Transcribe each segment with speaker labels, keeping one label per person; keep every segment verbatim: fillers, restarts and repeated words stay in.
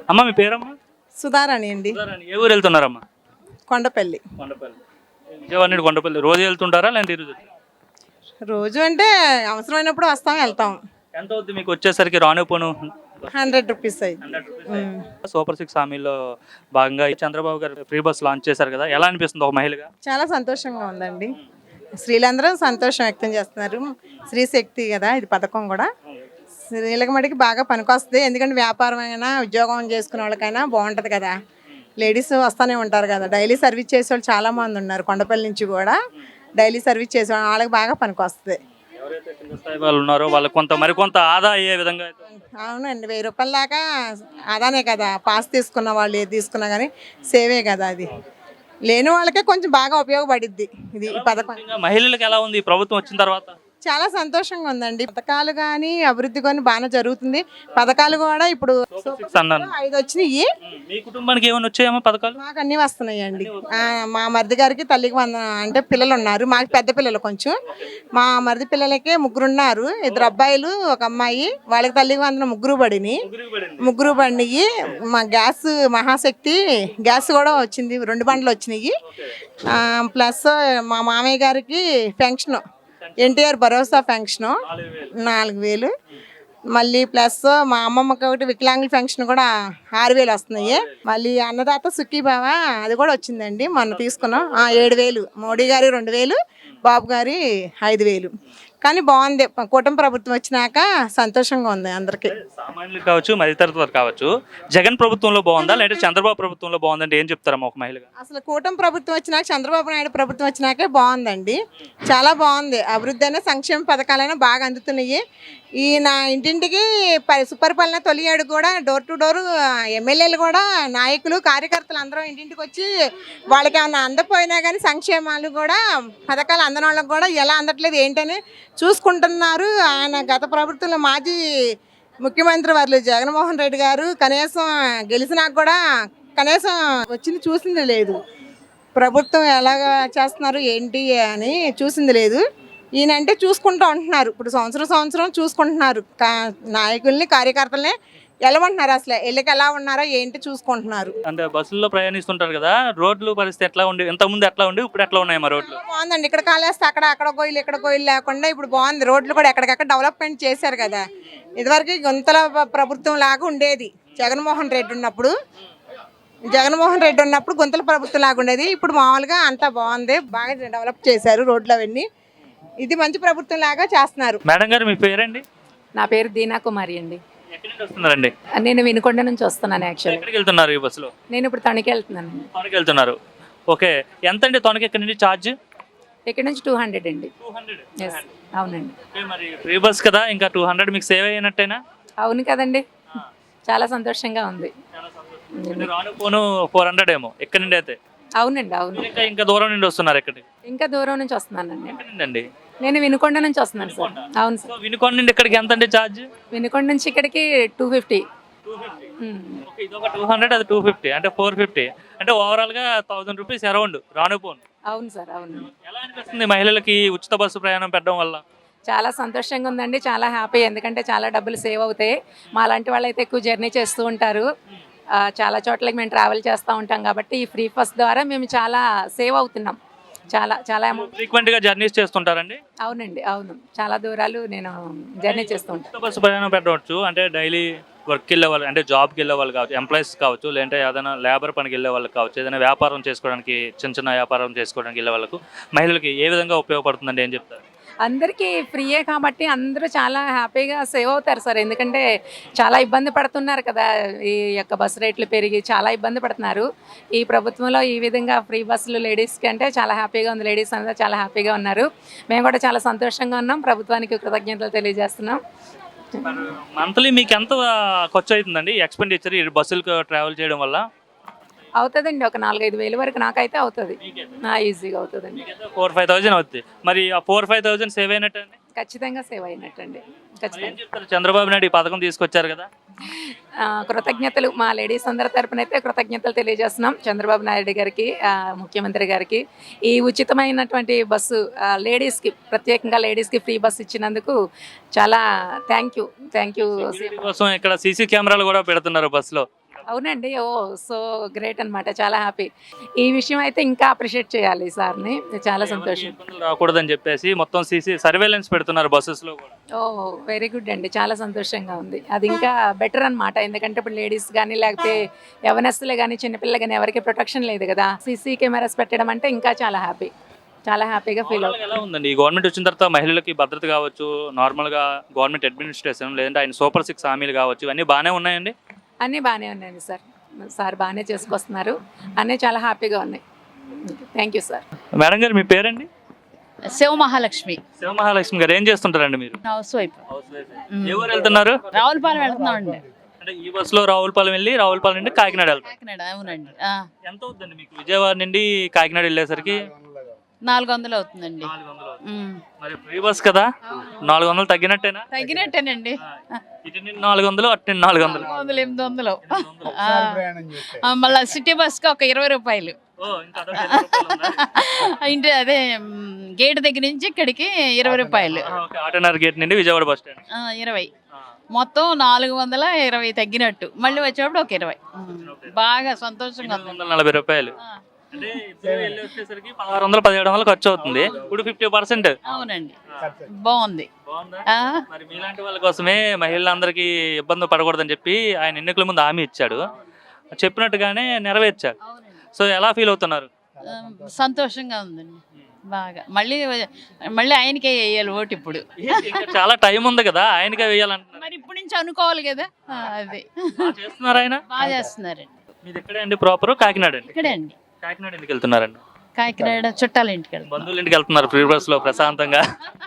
Speaker 1: అమ్మ మీ పేరమ్మా?
Speaker 2: సుధారాణి అండి.
Speaker 1: సుధారాణి. ఏ ఊరు వెళ్తున్నారమ్మా?
Speaker 2: కొండపల్లి.
Speaker 1: కొండపల్లి. విజయవాడ నుండి కొండపల్లి రోజు వెళ్తుంటారా లేదంటే ఈరోజు?
Speaker 2: రోజు అంటే అవసరమైనప్పుడు వస్తాం వెళ్తాం.
Speaker 1: ఎంత అవుద్ది మీకు వచ్చేసరికి రాను పోను?
Speaker 2: హండ్రెడ్ రూపీస్ అయ్యి.
Speaker 1: సూపర్ సిక్స్ హామీలో భాగంగా ఈ చంద్రబాబు గారు ఫ్రీ బస్ లాంచ్ చేశారు కదా, ఎలా అనిపిస్తుంది ఒక మహిళగా?
Speaker 2: చాలా సంతోషంగా ఉందండి. స్త్రీలందరూ సంతోషం వ్యక్తం చేస్తున్నారు. స్త్రీ శక్తి కదా ఇది పథకం కూడా. స్త్రీలకు మటుకి బాగా పనికొస్తుంది. ఎందుకంటే వ్యాపారం అయినా ఉద్యోగం చేసుకునే వాళ్ళకైనా బాగుంటుంది కదా. లేడీస్ వస్తూనే ఉంటారు కదా, డైలీ సర్వీస్ చేసే వాళ్ళు చాలా మంది ఉన్నారు. కొండపల్లి నుంచి కూడా డైలీ సర్వీస్ చేసే వాళ్ళకి బాగా పనికొస్తుంది.
Speaker 1: ఎవరైతే కింద స్థాయి వాళ్ళు ఉన్నారో వాళ్ళకి కొంత మరికొంత ఆదా అయ్యే విధంగా అయితే.
Speaker 2: అవునండి, వెయ్యి రూపాయల దాకా అదానే కదా. పాస్ తీసుకున్న వాళ్ళు ఏది తీసుకున్నా కానీ సేవే కదా. అది లేని వాళ్ళకే కొంచెం బాగా ఉపయోగపడిద్ది ఇది ఈ పథకం.
Speaker 1: మహిళలకు ఎలా ఉంది ఈ ప్రభుత్వం వచ్చిన తర్వాత?
Speaker 2: చాలా సంతోషంగా ఉందండి. పథకాలు కానీ అభివృద్ధి కానీ బాగా జరుగుతుంది. పథకాలు కూడా ఇప్పుడు ఐదు వచ్చినాయి.
Speaker 1: మీ కుటుంబానికి ఏమైనా వచ్చాయమ్మా పథకాలు?
Speaker 2: మాకు అన్ని వస్తున్నాయండి. మా మరిది గారికి తల్లికి వంద అంటే పిల్లలు ఉన్నారు. మాకు పెద్ద పిల్లలు కొంచెం. మా మరిది పిల్లలకి ముగ్గురు ఉన్నారు, ఇద్దరు అబ్బాయిలు ఒక అమ్మాయి. వాళ్ళకి తల్లికి వందన ముగ్గురు పడినాయి. ముగ్గురు పడినాయి. మా గ్యాస్ మహాశక్తి గ్యాస్ కూడా వచ్చింది, రెండు బండ్లు వచ్చినాయి. ప్లస్ మా మామయ్య గారికి పెన్షన్ ఎన్టీఆర్ భరోసా పెన్షను నాలుగు వేలు. మళ్ళీ ప్లస్ మా అమ్మమ్మకి ఒకటి వికలాంగుల పెన్షన్ కూడా ఆరు వేలు వస్తున్నాయి. మళ్ళీ అన్నదాత సుఖీభావ అది కూడా వచ్చిందండి, మొన్న తీసుకున్నాం. ఏడు వేలు మోడీ గారి రెండు వేలు, బాబు గారి ఐదు వేలు. కానీ బాగుంది, కూటమి ప్రభుత్వం వచ్చినాక సంతోషంగా ఉంది అందరికి.
Speaker 1: సామాన్యులు కావచ్చు, మధ్యతరగతి కావచ్చు. జగన్ ప్రభుత్వంలో బాగుందా లేదంటే చంద్రబాబు ప్రభుత్వంలో బాగుందంటే ఏం చెప్తారమ్మా ఒక మహిళగా?
Speaker 2: అసలు కూటమి ప్రభుత్వం వచ్చినాక, చంద్రబాబు నాయుడు ప్రభుత్వం వచ్చినాకే బాగుందండి. చాలా బాగుంది. అభివృద్ధి అయినా సంక్షేమ పథకాలైనా బాగా అందుతున్నాయి. ఈ నా ఇంటింటికి సుపరిపాలన తొలి అడుగు కూడా డోర్ టు డోర్ ఎమ్మెల్యేలు కూడా నాయకులు కార్యకర్తలు అందరూ ఇంటింటికి వచ్చి వాళ్ళకి ఏమన్నా అందపోయినా కానీ సంక్షేమాలు కూడా పథకాలు అందని వాళ్ళకి కూడా ఎలా అందట్లేదు ఏంటని చూసుకుంటున్నారు. ఆయన గత ప్రభుత్వంలో మాజీ ముఖ్యమంత్రి వారు జగన్మోహన్ రెడ్డి గారు కనీసం గెలిచినాక కూడా కనీసం వచ్చింది చూసింది లేదు. ప్రభుత్వం ఎలాగ చేస్తున్నారు ఏంటి అని చూసింది లేదు. ఈయనంటే చూసుకుంటూ ఉంటున్నారు. ఇప్పుడు సంవత్సరం సంవత్సరం చూసుకుంటున్నారు. నాయకుల్ని కార్యకర్తల్ని ఎలవంటున్నారు. అసలు ఎల్లికి ఎలా ఉన్నారో ఏంటి చూసుకుంటున్నారు.
Speaker 1: అంటే బస్సుల్లో ప్రయాణిస్తుంటారు కదా, రోడ్లు పరిస్థితి ఎట్లా ఉండి, ఇంత ముందు ఎట్లా ఉండి ఇప్పుడు ఎట్లా ఉన్నాయి మా రోడ్లు?
Speaker 2: బాగుందండి. ఇక్కడ కాలేస్తే అక్కడ అక్కడ గోయిలు ఇక్కడ గోయిలు లేకుండా ఇప్పుడు బాగుంది. రోడ్లు కూడా ఎక్కడికక్కడ డెవలప్మెంట్ చేశారు కదా. ఇదివరకు గుంతల ప్రభుత్వం లాగా ఉండేది జగన్మోహన్ రెడ్డి ఉన్నప్పుడు. జగన్మోహన్ రెడ్డి ఉన్నప్పుడు గుంతల ప్రభుత్వం లాగా ఉండేది. ఇప్పుడు మామూలుగా అంతా బాగుంది, బాగా డెవలప్ చేశారు రోడ్లు అవన్నీ. ఇది మంచి ప్రభుత్వం లాగా చేస్తున్నారు.
Speaker 1: మేడం గారు మీ పేరండి?
Speaker 3: నా పేరు దీనా కుమారి అండి.
Speaker 1: ఎక్కడి నుంచి వస్తున్నారండి?
Speaker 3: నేను వినుకొండ నుంచి వస్తున్నాను. యాక్చువల్లీ
Speaker 1: ఎక్కడికి వెళ్తున్నారు ఈ బస్సులో?
Speaker 3: నేను ఇప్పుడు తణుకు వెళ్తున్నాను.
Speaker 1: తణుకు వెళ్తున్నారు. ఓకే, ఎంత అండి తణుకు ఎక్కడి నుంచి ఛార్జ్?
Speaker 3: ఇక్కడ నుంచి టూ హండ్రెడ్ అండి. ఎస్ అవునండి.
Speaker 1: మరి ఫ్రీ బస్ కదా, ఇంకా టూ హండ్రెడ్ మీకు సేవ్ అయినట్టేనా?
Speaker 3: అవును కదండి, చాలా సంతోషంగా ఉంది.
Speaker 1: రాను పోను ఫోర్ హండ్రెడ్ ఏమో ఎక్కడి నుండి అయితే?
Speaker 3: అవునండి అవును.
Speaker 1: ఇంకా ఇంకా దూరం నుండి వస్తున్నారు? ఎక్కడి?
Speaker 3: ఇంకా దూరం నుంచి వస్తున్నానండి.
Speaker 1: ఎక్కడి?
Speaker 3: నేను వినుకొండ నుంచి వస్తున్నాను సార్. అవును సార్.
Speaker 1: వినుకొండ నుండి ఇక్కడికి ఎంత అండి ఛార్జ్?
Speaker 3: వినుకొండ నుంచి ఇక్కడికి టూ ఫిఫ్టీ.
Speaker 1: ఇది ఒక టూ హండ్రెడ్ అది టూ ఫిఫ్టీ అంటే ఫోర్ ఫిఫ్టీ అంటే ఓవరాల్ గా థౌసండ్ రూపీస్ అరౌండ్ రాను పోను.
Speaker 3: అవును సార్ అవును.
Speaker 1: ఎలా అనిపిస్తుంది మహిళలకి ఉచిత బస్సు ప్రయాణం పెట్టడం వల్ల?
Speaker 3: చాలా సంతోషంగా ఉందండి, చాలా హ్యాపీ. ఎందుకంటే చాలా డబ్బులు సేవ్ అవుతాయి. మా లాంటి వాళ్ళు అయితే ఎక్కువ జర్నీ చేస్తూ ఉంటారు, చాలా చోట్లకి మేము ట్రావెల్ చేస్తూ ఉంటాం కాబట్టి ఈ ఫ్రీ బస్ ద్వారా మేము చాలా సేవ్ అవుతున్నాం. చాలా చాలా
Speaker 1: ఫ్రీక్వెంట్ గా జర్నీస్ చేస్తుంటారండి?
Speaker 3: అవునండి అవును, చాలా దూరాలు నేను జర్నీ చేస్తూ ఉంటాను.
Speaker 1: బస్సు ప్రయాణం పెట్టవచ్చు అంటే డైలీ వర్క్కి వెళ్ళే వాళ్ళు, అంటే జాబ్కి వెళ్ళే వాళ్ళు కావచ్చు, ఎంప్లాయీస్ కావచ్చు, లేదంటే ఏదైనా లేబర్ పనికి వెళ్ళే వాళ్ళకి కావచ్చు, ఏదైనా వ్యాపారం చేసుకోవడానికి, చిన్న చిన్న వ్యాపారం చేసుకోవడానికి వెళ్ళే వాళ్ళకు మహిళలకి ఏ విధంగా ఉపయోగపడుతుందండి, ఏం చెప్తారు?
Speaker 3: అందరికీ ఫ్రీయే కాబట్టి అందరూ చాలా హ్యాపీగా సేవ్ అవుతారు సార్. ఎందుకంటే చాలా ఇబ్బంది పడుతున్నారు కదా, ఈ యొక్క బస్సు రేట్లు పెరిగి చాలా ఇబ్బంది పడుతున్నారు. ఈ ప్రభుత్వంలో ఈ విధంగా ఫ్రీ బస్సులు లేడీస్కి అంటే చాలా హ్యాపీగా ఉంది. లేడీస్ అందరూ చాలా హ్యాపీగా ఉన్నారు. మేము కూడా చాలా సంతోషంగా ఉన్నాం. ప్రభుత్వానికి కృతజ్ఞతలు తెలియజేస్తున్నాం.
Speaker 1: మంత్లీ మీకు ఎంత ఖర్చు అవుతుందండి ఎక్స్పెండిచర్ ఈ బస్సులకు ట్రావెల్ చేయడం వల్ల?
Speaker 3: అవుతుందండి, ఒక నాలుగైదు వేలు వరకు నాకైతే అవుతుంది. ఈజీగా అవుతుందండి.
Speaker 1: ఫోర్ ఫైవ్ థౌసండ్ అవుతుంది. మరి ఆ ఫోర్ ఫైవ్ థౌసండ్ సేవ్ అయినట్టు?
Speaker 3: ఖచ్చితంగా సేవ్ అయినట్టండి. ఖచ్చితంగా.
Speaker 1: చంద్రబాబు నాయుడు ఈ పథకం తీసుకొచ్చారు కదా,
Speaker 3: కృతజ్ఞతలు మా లేడీస్ అందరి తరపున అయితే కృతజ్ఞతలు తెలియజేస్తున్నాం చంద్రబాబు నాయుడు గారికి, ముఖ్యమంత్రి గారికి. ఈ ఉచితమైనటువంటి బస్సు లేడీస్కి, ప్రత్యేకంగా లేడీస్కి ఫ్రీ బస్సు ఇచ్చినందుకు చాలా థ్యాంక్ యూ థ్యాంక్ యూ.
Speaker 1: కోసం ఇక్కడ సీసీ కెమెరాలు కూడా పెడుతున్నారు బస్సులో.
Speaker 3: అవునండి. ఓ సో గ్రేట్ అన్నమాట. చాలా హ్యాపీ. ఈ విషయం అయితే ఇంకా అప్రిషియేట్ చేయాలి సార్ని. చాలా
Speaker 1: ఎవరికి
Speaker 3: సంతోషం.
Speaker 1: ఇబ్బందులు రాకూడదని చెప్పేసి మొత్తం సీసీ సర్వేలెన్స్ పెడుతున్నారు బస్సెస్ లో కూడా.
Speaker 3: ఓ వెరీ గుడ్ అండి. చాలా సంతోషంగా ఉంది. అది ఇంకా బెటర్ అన్నమాట. ఎందుకంటే ఇప్పుడు లేడీస్ కానీ లేకపోతే యవనస్తులే కానీ చిన్నపిల్లలు కానీ ఎవరికి ప్రొటెక్షన్ లేదు కదా. సీసీ కెమెరాస్ పెట్టడం అంటే ఇంకా చాలా హ్యాపీ. చాలా హ్యాపీగా ఫీల్
Speaker 1: Overall గా ఎలా ఉందండి ఈ గవర్నమెంట్ వచ్చిన తర్వాత మహిళలకి భద్రత కావచ్చు, నార్మల్ గా గవర్నమెంట్ అడ్మినిస్ట్రేషన్ లేదంటే ఆయన సూపర్ సిక్స్ హామీలు కావచ్చు, ఇవన్నీ బాగానే ఉన్నాయండి.
Speaker 3: అన్నీ బాగానే ఉన్నాయండి సార్. సార్ బాగానే చేసుకొస్తున్నారు. అన్నీ చాలా హ్యాపీగా ఉన్నాయి. Thank you sir.
Speaker 1: మేడం గారు మీ పేరండి?
Speaker 4: శివ మహాలక్ష్మి
Speaker 1: శివ మహాలక్ష్మి గారు ఏం చేస్తుంటారండి మీరు?
Speaker 4: House wife.
Speaker 1: ఏ ఊరు వెళ్తున్నారు?
Speaker 4: రావులపాలెం వెళ్తున్నాం అండి.
Speaker 1: అంటే ఈ బస్సులో రావులపాలెం వెళ్ళి రావులపాలెం నుండి కాకినాడ వెళ్తారు.
Speaker 4: కాకినాడ అవునండి. ఆ,
Speaker 1: ఎంత అవుతుందండి మీకు విజయవాడ నుండి కాకినాడ వెళ్ళేసరికి?
Speaker 4: నాలుగు వందలు అవుతుందండి.
Speaker 1: నాలుగు వందలు అవుతుంది.
Speaker 4: ఉమ్.
Speaker 1: మరి ఫ్రీ బస్ కదా, నాలుగు వందలు తగ్గినట్టేనా?
Speaker 4: తగ్గినట్టేనండి.
Speaker 1: ఇటు నుండి నాలుగు వందలు అటు నుండి నాలుగు వందలు.
Speaker 4: నాలుగు వందలు ఎనిమిది వందలు. ఆ, ఆ, మళ్ళా సిటీ బస్కి ఒక ఇరవై రూపాయలు.
Speaker 1: ఓ, ఇంకా అదొక ఇరవై రూపాయలు ఉందా?
Speaker 4: ఇంటి అదే మ్, గేట్ దగ్గర నుంచి ఇక్కడికి ఇరవై రూపాయలు.
Speaker 1: ఆ, ఓకే. ఆటోనగర్ గేట్ నుండి విజయవాడ బస్ స్టాండ్.
Speaker 4: ఆ, ఇరవై మొత్తం నాలుగు వందల ఇరవై తగ్గినట్టు. మళ్ళీ వచ్చేటప్పుడు ఒక ఇరవై. ఉమ్. బాగా సంతోషంగా
Speaker 1: ఎనిమిది
Speaker 4: ఉంది.
Speaker 1: వందల నలభై రూపాయలు.
Speaker 4: ఆ,
Speaker 1: అంటే ఇద్దరు వెళ్ళి వచ్చేసరికి పదహారు వందలు పదిహేడు వందలు ఖర్చు అవుతుంది. ఇప్పుడు ఫిఫ్టీ పర్సెంట్
Speaker 4: అవునండి. బాగుంది.
Speaker 1: బాగుందా?
Speaker 4: ఆ,
Speaker 1: మరి మీలాంటి వాళ్ళ కోసమే మహిళలందరికీ ఇబ్బంది పడకూడదని చెప్పి ఆయన ఎన్నికల ముందు హామీ ఇచ్చాడు, చెప్పినట్టుగానే నెరవేర్చాడు. సో ఎలా ఫీల్ అవుతున్నారు?
Speaker 4: ఆ, సంతోషంగా ఉందండి. బాగా మళ్ళీ మళ్ళీ ఆయనకే వేయాలి ఓటు ఇప్పుడు.
Speaker 1: ఏంటి, ఇంకా చాలా టైం ఉంది కదా, ఆయనకే వేయాలంటున్నారు.
Speaker 4: మరి ఇప్పటి నుంచి అనుకోవాలి కదా. ఆ, అది
Speaker 1: బాగా చేస్తున్నారు ఆయన.
Speaker 4: బాగా చేస్తున్నారండి.
Speaker 1: మీది ఎక్కడే అండి? ప్రాపర్ కాకినాడ అండి.
Speaker 4: ఇక్కడే అండి.
Speaker 1: కాకినాడ ఎందుకు వెళ్తున్నారండి?
Speaker 4: కాకినాడ చుట్టాల ఇంటికి వెళ్తాం.
Speaker 1: బంధువుల ఇంటికి వెళ్తున్నారు ఫ్రీ బస్ లో ప్రశాంతంగా.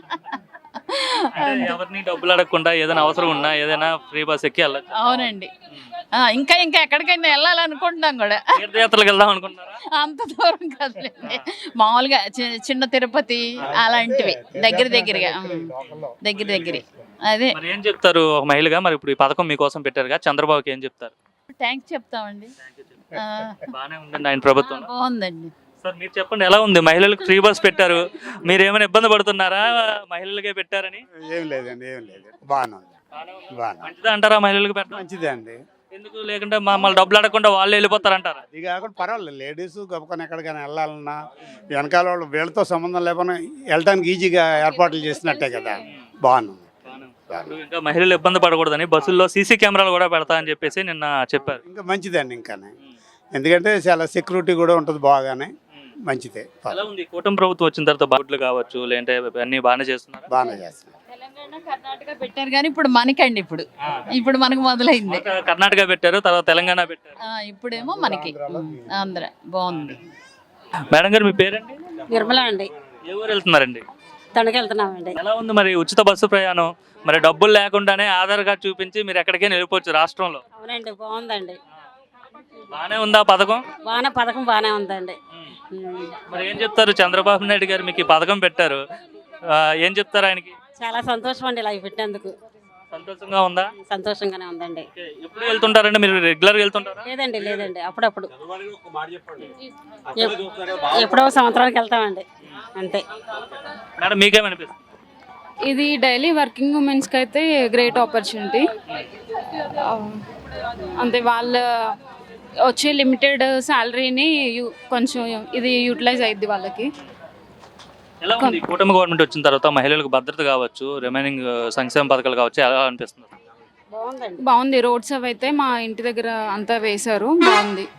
Speaker 1: అంటే ఎవరిని డబ్బులు అడగకుండా ఏదైనా అవసరం ఉన్నా ఏదైనా ఫ్రీ బస్ ఎక్కి వెళ్ళచ్చు.
Speaker 4: అవునండి. ఆ, ఇంకా ఇంకా ఎక్కడికైనా వెళ్ళాలనుకుంటున్నాం కూడా.
Speaker 1: తీర్థయాత్రలకు వెళ్దాం అనుకుంటున్నారా?
Speaker 4: అంత దూరం కదలేండి, మామూలుగా చి- చిన్న తిరుపతి అలాంటివి దగ్గర దగ్గరగా. ఉమ్, దగ్గర దగ్గర. అదే
Speaker 1: మరి ఏం చెప్తారు ఒక మహిళగా? మరి ఇప్పుడు ఈ పథకం మీకోసం పెట్టారుగా, చంద్రబాబుకి ఏం చెప్తారు?
Speaker 4: థ్యాంక్స్ చెప్తామండి. ఆ,
Speaker 1: బాగానే ఉందండి ఆయన ప్రభుత్వం.
Speaker 4: బాగుందండి.
Speaker 1: సార్ మీరు చెప్పండి, ఎలా ఉంది? మహిళలకు ఫ్రీ బస్ పెట్టారు, మీరు ఏమైనా ఇబ్బంది పడుతున్నారా మహిళలకే పెట్టారని?
Speaker 5: ఏం లేదండి, ఏం లేదు, బాగానే ఉంది, బాగానే ఉంది.
Speaker 1: మంచిదా అంటారా మహిళలకు పెట్టడం?
Speaker 5: మంచిదే అండి.
Speaker 1: ఎందుకు లేకుంటే మమ్మల్ని డబ్బులు అడగకుండా వాళ్ళు వెళ్ళిపోతారంటారా?
Speaker 5: ఇది కాకుండా పర్వాలేదు, లేడీస్ గొప్పకొని ఎక్కడికైనా వెళ్ళాలన్నా వెనకాల వాళ్ళు వీళ్ళతో సంబంధం లేకుండా వెళ్ళడానికి ఈజీగా ఏర్పాట్లు చేసినట్టే కదా, బాగానే ఉంది.
Speaker 1: ఇప్పుడు ఇంకా మహిళలు ఇబ్బంది పడకూడదని బస్సుల్లో సీసీ కెమెరాలు కూడా పెడతా అని చెప్పేసి నిన్న చెప్పారు.
Speaker 5: ఇంకా మంచిదండి, ఇంకానే ఎందుకంటే చాలా సెక్యూరిటీ కూడా ఉంటుంది, బాగానే మంచిదే,
Speaker 1: ఎలా ఉంది కూటమి ప్రభుత్వం వచ్చిన తర్వాత? బాగుట్లు కావచ్చు లేదంటే అన్ని బాగానే చేస్తున్నారు.
Speaker 5: బాగానే చేస్తున్నారు.
Speaker 4: తెలంగాణ కర్ణాటక పెట్టారు కానీ ఇప్పుడు మనకండి, ఇప్పుడు ఇప్పుడు మనకు మొదలైంది.
Speaker 1: కర్ణాటక పెట్టారు, తర్వాత తెలంగాణ పెట్టారు,
Speaker 4: ఆ, ఇప్పుడేమో మనకి ఆంధ్ర. బాగుంది.
Speaker 1: మేడం గారు మీ పేరండి?
Speaker 6: నిర్మల అండి.
Speaker 1: ఏ ఊరు వెళ్తున్నారండి?
Speaker 6: తణుకు వెళ్తున్నామండి.
Speaker 1: ఎలా ఉంది మరి ఉచిత బస్సు ప్రయాణం? మరి డబ్బులు లేకుండానే ఆధార్ కార్డు చూపించి మీరు ఎక్కడికైనా వెళ్ళిపోవచ్చు రాష్ట్రంలో.
Speaker 6: అవునండి, బాగుందండి.
Speaker 1: బాగానే ఉందా పథకం?
Speaker 6: బాగానే పథకం బాగానే ఉందండి. ఉమ్.
Speaker 1: మరి ఏం చెప్తారు? చంద్రబాబు నాయుడు గారు మీకు ఈ పథకం పెట్టారు, ఆ, ఏం చెప్తారు ఆయనకి?
Speaker 6: చాలా సంతోషం అండి ఇలా పెట్టినందుకు.
Speaker 1: సంతోషంగా ఉందా?
Speaker 6: సంతోషంగానే ఉందండి.
Speaker 1: ఓకే. ఎప్పుడు వెళ్తుంటారండి మీరు? రెగ్యులర్గా వెళ్తుంటారా?
Speaker 6: లేదండి లేదండి అప్పుడప్పుడు ఎప్- ఎప్పుడో సంవత్సరానికి వెళ్తామండి అంతే.
Speaker 1: మేడం మీకేమనిపిస్తుంది?
Speaker 7: ఇది డైలీ వర్కింగ్ ఉమెన్స్కి అయితే గ్రేట్ ఆపర్చునిటీ. అంటే వాళ్ళ వచ్చే లిమిటెడ్ శాలరీని యు- కొంచెం ఇది యూటిలైజ్ అయ్యిద్ది వాళ్ళకి.
Speaker 1: ఎలా ఉంది కూటమి గవర్నమెంట్ వచ్చిన తర్వాత మహిళలకు భద్రత కావచ్చు, రిమైనింగ్ సంక్షేమ పథకాలు కావచ్చు, ఎలా అనిపిస్తుంది?
Speaker 6: బాగుందండి.
Speaker 7: బాగుంది. రోడ్స్ అవి అయితే మా ఇంటి దగ్గర అంతా వేశారు, బాగుంది.